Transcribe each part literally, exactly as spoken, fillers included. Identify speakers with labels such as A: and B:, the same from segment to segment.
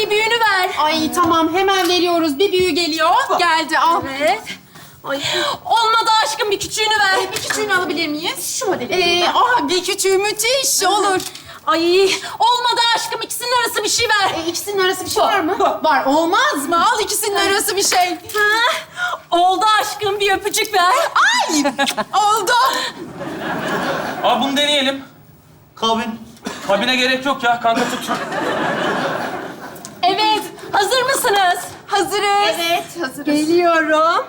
A: bir büyüğünü ver.
B: Ay tamam hemen veriyoruz. Bir büyüğü geliyor. Geldi al.
A: Evet. Ay. Olmadı aşkım, bir küçüğünü ver.
B: Bir küçüğünü alabilir miyiz?
A: Şu modeli.
B: Ee, ah bir küçüğü müthiş olur.
A: Ay olmadı aşkım, ikisinin arası bir şey ver.
B: Ee, ikisinin arası bir şey var mı? Var. Olmaz mı? Al ikisinin arası bir şey.
A: Ha? Oldu aşkım, bir öpücük ver.
B: Ay! Oldu.
C: Abi bunu deneyelim.
D: Kabin.
C: Kabine gerek yok ya. Kanka tut.
A: Evet, hazır mısınız?
B: Hazırız. Evet, hazırız.
A: Geliyorum.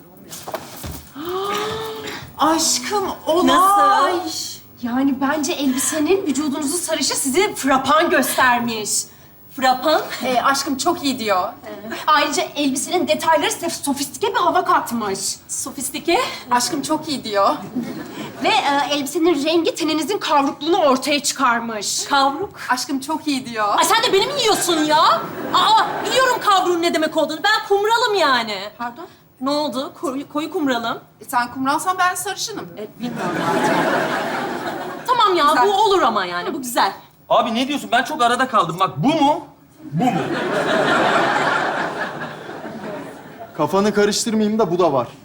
B: Aşkım, olay.
A: Nasıl? Yani bence elbisenin vücudunuzun sarışı sizi frapan göstermiş. Frapan?
B: Ee, aşkım çok iyi diyor.
A: Ayrıca elbisenin detayları size sofistike bir hava katmış. Sofistike?
B: Aşkım çok iyi diyor.
A: Ve e, elbisenin rengi teninizin kavrukluğunu ortaya çıkarmış. Kavruk?
B: Aşkım çok iyi diyor.
A: Ay sen de beni mi yiyorsun ya? Aa, biliyorum kavruğun ne demek olduğunu. Ben kumralım yani.
B: Pardon?
A: Ne oldu? Koyu, koyu kumralım.
B: E, sen kumralsan ben sarışınım.
A: E, bilmiyorum artık. Tamam ya,
B: Güzel.
A: bu olur ama yani. Bu güzel.
C: Abi ne diyorsun? Ben çok arada kaldım. Bak bu mu? Bu mu?
E: Kafanı karıştırmayayım da bu da var.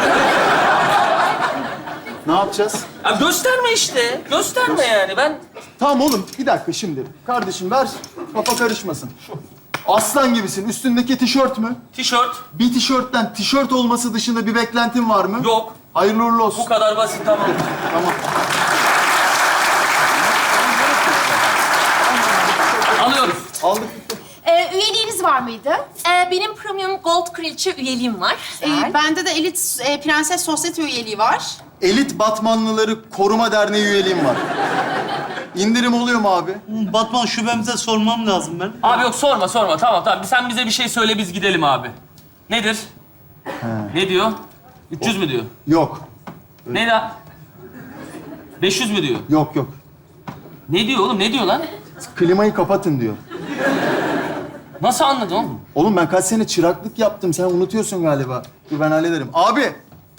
E: Ne yapacağız?
C: Ya gösterme işte. Gösterme yani. Ben
E: Tamam oğlum, bir dakika şimdi. Kardeşim ver, kafa karışmasın. Aslan gibisin. Üstündeki tişört mü?
C: tişört
E: Bir tişörtten tişört olması dışında bir beklentin var mı?
C: yok.
E: Hayırlı uğurlu olsun.
C: Bu kadar basit, tamam.
E: Tamam.
C: Alıyoruz.
E: Aldık.
B: Ee, üyeliğiniz var mıydı?
A: Ee, benim premium gold kraliçe üyeliğim var.
B: Ee, bende de Elit e, Prenses Sosyete üyeliği var.
E: Elit Batmanlıları Koruma Derneği üyeliğim var. İndirim oluyor mu abi?
D: Batman şubemize sormam lazım ben.
C: Abi yok, sorma sorma. Tamam tamam. Sen bize bir şey söyle, biz gidelim abi. Nedir? Ne diyor? üç yüz mü diyor?
E: Yok.
C: Ne da? beş yüz mü diyor?
E: Yok yok.
C: Ne diyor oğlum? Ne diyor lan?
E: Klimayı kapatın diyor.
C: Nasıl anladın oğlum?
E: Oğlum ben kaç sene çıraklık yaptım. Sen unutuyorsun galiba. Dur ben hallederim. Abi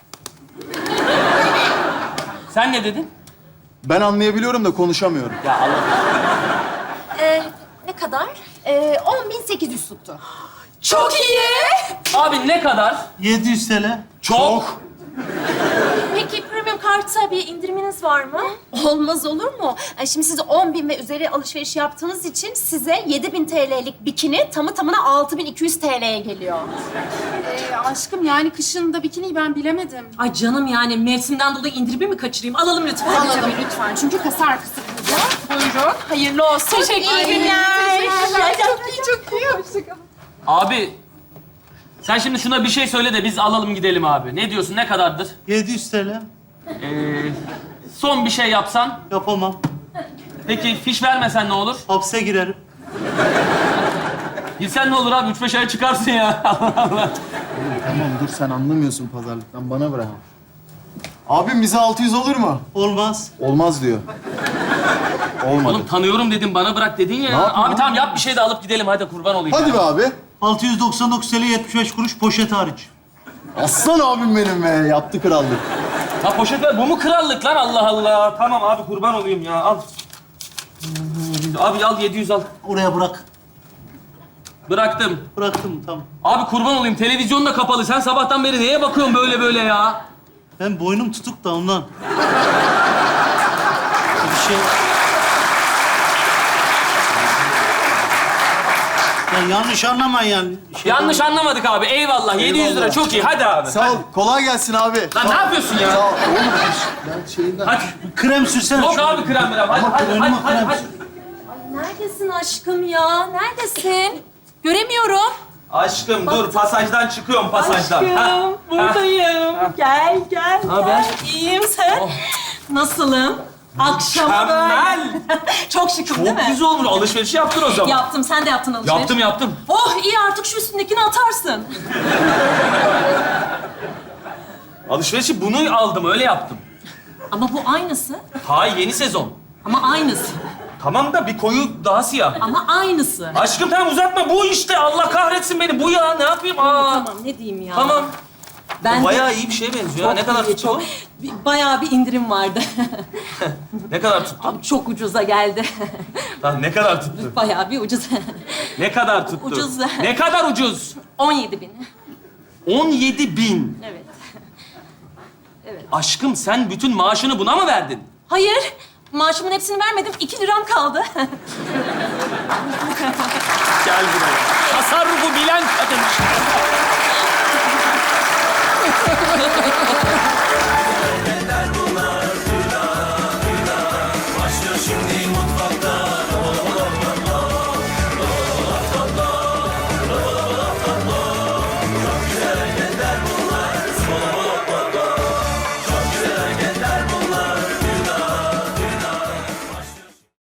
C: Sen ne dedin?
E: ben anlayabiliyorum da konuşamıyorum.
C: Ya Allah.
A: Ee, ne kadar?
B: Ee, on bin sekiz yüz tuttu.
A: Çok iyi.
C: Abi ne kadar?
D: yedi yüz T L.
C: Çok.
A: Peki premium karta bir indiriminiz var mı? Olmaz olur mu? Ee, Şimdi siz on bin ve üzeri alışveriş yaptığınız için size yedi bin T L'lik bikini tamı tamına altı bin iki yüz T L'ye geliyor.
B: Ee, aşkım yani kışın da bikiniyi ben bilemedim.
A: Ay canım, yani mevsimden dolayı indirimi mi kaçırayım? Alalım lütfen.
B: Tabii tabii lütfen. Çünkü kasar kısıtlıca. Buyurun. Hayırlı olsun.
A: Teşekkür
B: İyi
A: ederim.
B: günler.
A: Teşekkürler.
B: Çok iyi, çok iyi. Hoşçakalın.
C: Abi sen şimdi şuna bir şey söyle de biz alalım gidelim abi. Ne diyorsun? Ne kadardır?
D: yedi yüz T L.
C: Ee, son bir şey yapsan.
D: Yapamam.
C: Peki fiş vermesen ne olur?
D: Hapse girerim.
C: Bilsen ne olur abi? Üç beş ay çıkarsın ya. Allah Allah.
E: Tamam dur sen anlamıyorsun pazarlıktan. Bana bırak. Abim bize altı yüz olur mu?
D: Olmaz.
E: Olmaz diyor. Olmadı.
C: Oğlum tanıyorum dedim, bana bırak dedin ya.
E: Ne yapayım
C: Abi
E: abi?
C: tamam yap bir şey de alıp gidelim. Hadi kurban olayım.
E: Hadi
C: ya.
E: be abi.
D: altı yüz doksan dokuz T L yetmiş beş kuruş poşet hariç.
E: Aslan abim benim be. Yaptı krallık.
C: Ha poşet ver. Bu mu krallık lan? Allah Allah. Tamam abi kurban olayım ya. Al. Abi al yedi yüz al.
D: Oraya bırak.
C: Bıraktım.
D: Bıraktım tamam.
C: Abi kurban olayım. Televizyon da kapalı. Sen sabahtan beri neye bakıyorsun böyle böyle ya?
D: Ben boynum tutuk da ondan. Bir şey... Ya yanlış anlamayın yani. Şey
C: Yanlış anlamadık abi. Eyvallah. yedi yüz lira
E: Eyvallah.
C: çok iyi. Hadi abi.
E: Sağ ol. Kolay gelsin abi.
C: Lan ne yapıyorsun ya?
E: Sağ ol. Oğlum ben şeyinden...
C: Hadi.
D: Krem sürsene.
C: Yok
D: şunu.
C: abi krem krem. Hadi
D: Ama
C: hadi
D: önüme
C: hadi hadi.
D: krem
C: hadi.
D: sür.
A: Neredesin aşkım ya? Neredesin? Göremiyorum.
C: Aşkım dur pasajdan çıkıyorum pasajdan. Ha,
A: Aşkım, buradayım. Gel, gel,
C: haber?
A: gel. İyiyim sen.
C: Oh.
A: Nasılım? Akşama
C: Mükemmel.
A: Çok şıkım değil
C: Çok
A: mi?
C: güzel olmuş. Alışveriş yaptın o zaman.
A: Yaptım, sen de yaptın alışveriş.
C: Yaptım yaptım.
A: Oh iyi, artık şu üstündekini atarsın.
C: Alışverişi bunu aldım öyle yaptım.
A: Ama bu aynısı.
C: Hayır yeni sezon.
A: Ama aynısı.
C: Tamam da bir koyu daha siyah.
A: Ama aynısı.
C: Aşkım tamam uzatma bu işte. Allah kahretsin beni. Bu ya ne yapayım? Aa.
A: Tamam, ne diyeyim ya?
C: Tamam.
F: Ben de-
C: Bayağı iyi bir şeye benziyor. ha. Ne
F: Çok
C: kadar
F: iyi,
C: tuttu
F: çok-
C: bu?
F: Bayağı bir indirim vardı.
C: Ne kadar tuttu?
F: Abi çok ucuza geldi.
C: Lan ne kadar tuttu?
F: Bayağı bir ucuz.
C: Ne kadar tuttu?
F: Ucuz.
C: Ne kadar ucuz?
F: on yedi bin.
C: on yedi bin.
F: Evet.
C: Aşkım sen bütün maaşını buna mı verdin?
F: Hayır, maaşımın hepsini vermedim. iki liram kaldı.
C: Gel buraya. Tasarrufu bilen kadın.